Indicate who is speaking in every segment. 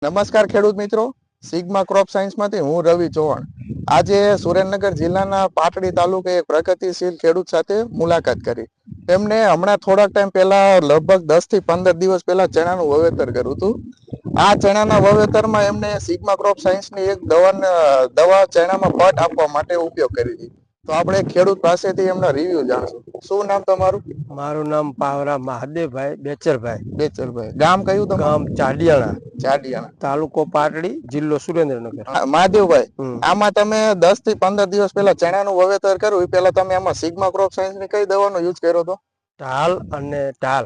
Speaker 1: નમસ્કાર ખેડૂત મિત્રો, સિગ્મા ક્રોપ સાયન્સમાંથી હું રવિ ચૌહાણ આજે સુરેન્દ્રનગર જિલ્લાના પાટડી તાલુકે એક પ્રગતિશીલ ખેડૂત સાથે મુલાકાત કરી. તેમને હમણાં થોડાક ટાઈમ પહેલા લગભગ 10 થી 15 દિવસ પહેલા ચણાનું વાવેતર કર્યું હતું. આ ચણાના વાવેતરમાં એમને સિગ્મા ક્રોપ સાયન્સની એક દવા ચણામાં પટ આપવા માટે ઉપયોગ કરી હતી. તો આપણે ખેડૂત પાસેથી એમના રિવ્યુ જાણશું. શું નામ તમારું?
Speaker 2: મારું નામ પાવરા મહાદેવભાઈ બેચરભાઈ.
Speaker 1: બેચરભાઈ. ગામ કયું તમારું?
Speaker 2: ગામ ચાડિયાણા, તાલુકો પાટડી, જિલ્લો સુરેન્દ્રનગર.
Speaker 1: મહાદેવભાઈ, આમાં તમે 10 થી 15 દિવસ પહેલા ચણાનું વાવેતર કર્યું, એ પહેલા તમે આમાં સિગ્મા ક્રોપ સાયન્સ ની કઈ દવાનો યુઝ કર્યો હતો?
Speaker 2: ઢાલ અને ઢાલ.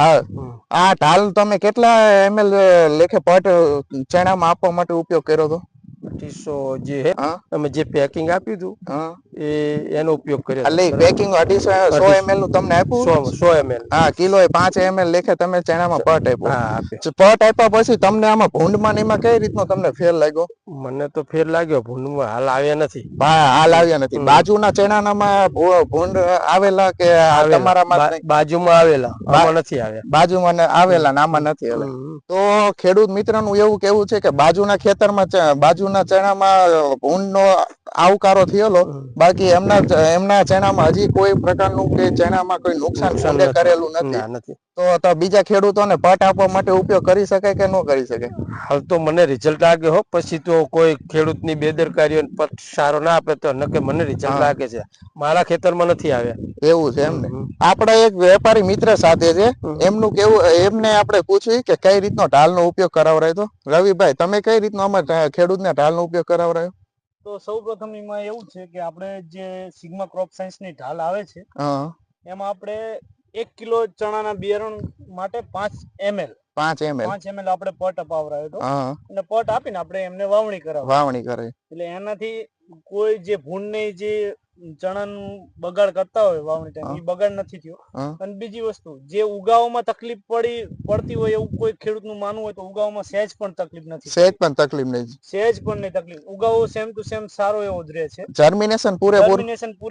Speaker 1: આ ઢાલ તમે કેટલા ml લેખે પટ ચણામાં આપવા માટે ઉપયોગ કર્યો હતો?
Speaker 2: 250 જે હે તમે જે પેકિંગ આપ્યું હતું એ એનો ઉપયોગ કર્યો.
Speaker 1: એટલે પેકિંગ 100 ml નું તમને આપ્યું?
Speaker 2: 100 ml.
Speaker 1: હા, કિલો 5 ml લેખે તમે ચણામાં પટ આપ્યો. પટ આપ્યા પછી તમને આમાં ભૂંડમાં ને એમાં કઈ રીતનો તમને ફેર લાગ્યો?
Speaker 2: મને તો ફેર લાગ્યો, ભૂંડમાં હાલ આવ્યા નથી.
Speaker 1: હાલ આવ્યા નથી. બાજુના ચણાનામાં ભૂંડ આવેલા કે તમારામાં?
Speaker 2: બાજુમાં આવેલા, આમાં નથી આવ્યા.
Speaker 1: બાજુમાં આવેલા ને આમાં નથી આવ્યા. તો ખેડૂત મિત્રનું એવું કેવું છે કે બાજુના ખેતરમાં બાજુના ચણામાં ભૂંડનો આવકારો થયેલો, બાકી એમના ચણામાં હજી કોઈ પ્રકારનું કે ચણામાં કોઈ નુકસાન કરેલું નથી. તો બીજા ખેડૂતોને પટ આપવા માટે ઉપયોગ કરી શકાય કે ન કરી શકાય?
Speaker 2: હાલ તો મને રિઝલ્ટ લાગે હો, પછી તો કોઈ ખેડૂતની બેદરકારી પટ સારો ના આપે તો નકે મને રિઝલ્ટ લાગે છે. મારા ખેતરમાં નથી આવ્યા. એવું છે એમને?
Speaker 1: આપણા એક વેપારી મિત્ર સાથે છે, એમનું કેવું, એમને આપણે પૂછ્યું કે કઈ રીતનો ઢાલનો ઉપયોગ કરાવરાયો તો. રવિભાઈ, તમે કઈ રીતનો અમારા ખેડૂતને ઢાલનો ઉપયોગ કરાવરાયો?
Speaker 3: તો સૌપ્રથમ એમાં એવું છે કે આપણે જે સિગ્મા ક્રોપ સાયન્સ ની ઢાલ આવે છે એમાં આપણે 1 કિલો ચણાના બિયારણ માટે 5 ml આપણે પટ અપાવરાયો હતો. અને પટ આપીને આપણે એમને વાવણી કરાવી. એટલે એનાથી કોઈ જે ભૂંડ ને જે ચણાનું બગાડ કરતા હોય વાવણી ટાઈમ, એ બગાડ નથી થયો. અને બીજી વસ્તુ, જે ઉગાવવામાં તકલીફ પડતી હોય એવું કોઈ ખેડૂત નું માનવું હોય તો ઉગાવવામાં સહેજ પણ તકલીફ નથી.
Speaker 1: સહેજ પણ નહીં
Speaker 3: તકલીફ. ઉગાવો સેમ ટુ સેમ સારો એવો જ રહે છે.
Speaker 1: જર્મિનેશન પૂરેપૂરું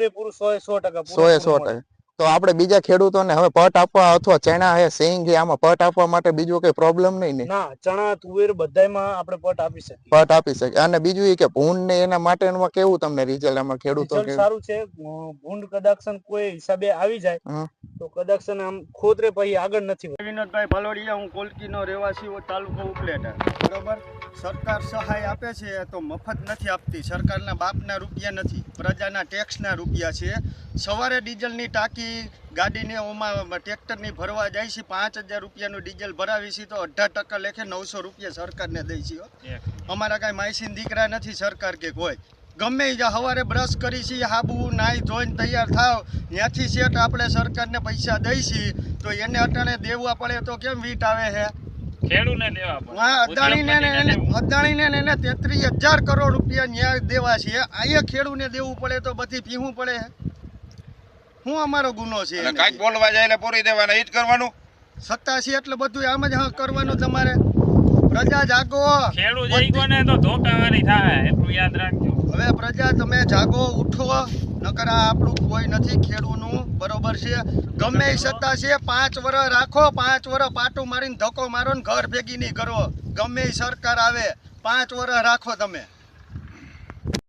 Speaker 1: 100%. તો આપણે બીજા ખેડૂતોને હવે પટ આપવા અથવા ચણા હે સિંગ આમાં પટ આપવા માટે બીજો કઈ પ્રોબ્લેમ નહીં ને?
Speaker 3: ના, ચણા તુવેર બધાયમાં આપણે પટ આપી શકીએ.
Speaker 1: અને બીજું એ કે ભૂંડ ને એના માટેનું કેવું તમને રિઝલ્ટ આમાં ખેડૂતો
Speaker 3: સારું છે? ભૂંડ કદાક્ષન કોઈ હિસાબે આવી જાય તો કદાક્ષન આમ ખોતરે પછી આગળ નથી.
Speaker 4: વિનોદભાઈ ભલોડિયા, હું કોલકીનો રહેવાસી, તાલુકો ઉપલેટા. બરોબર, સરકાર સહાય આપે છે તો મફત નથી આપતી. સરકારના બાપના રૂપિયા નથી, પ્રજાના ટેક્સના રૂપિયા છે. સવારે ડીઝલની ટાંકી ગાડીને ઓમાં ટ્રેક્ટરની ભરવા જાય છે, 5000 રૂપિયાનું ડીઝલ ભરાવી છે તો 18% લેખે 900 રૂપિયા સરકારને દઈ છે. અમારા કાંઈ માયસીન દીકરા નથી સરકાર કે કોઈ. ગમે સવારે બ્રશ કરી છે, હાબુ નાઈ ધોઈને તૈયાર થાવ, ત્યાંથી સેટ આપણે સરકારને પૈસા દઈ છીએ તો એને અટાણે દેવા પડે તો કેમ વીટ આવે છે? અદાણીને એને 33,000 કરોડ રૂપિયા ન્યાય દેવા છે. અહીંયા ખેડૂને દેવું પડે તો બધી પીવું પડે. શું અમારો ગુનો છે?
Speaker 5: કાંઈક બોલવા જાય એટલે પૂરી દેવાના, ઈ જ કરવાનું.
Speaker 4: સત્તા છે એટલે બધું આમ જ કરવાનું. તમારે પ્રજા જાગો,
Speaker 6: ખેડૂત જાગોને તો ધોકાવાની થાય, એટલું યાદ રાખજો.
Speaker 4: હવે પ્રજા તમે જાગો, ઉઠો, નકર આપણું કોઈ નથી ખેડૂતનું. બરોબર છે? ગમે સત્તા છે 5 વર્ષ રાખો, 5 વર્ષ પાટું મારીને ધક્કો મારો ને ઘર ભેગી નહીં કરો. ગમે સરકાર આવે 5 વર્ષ રાખો તમે.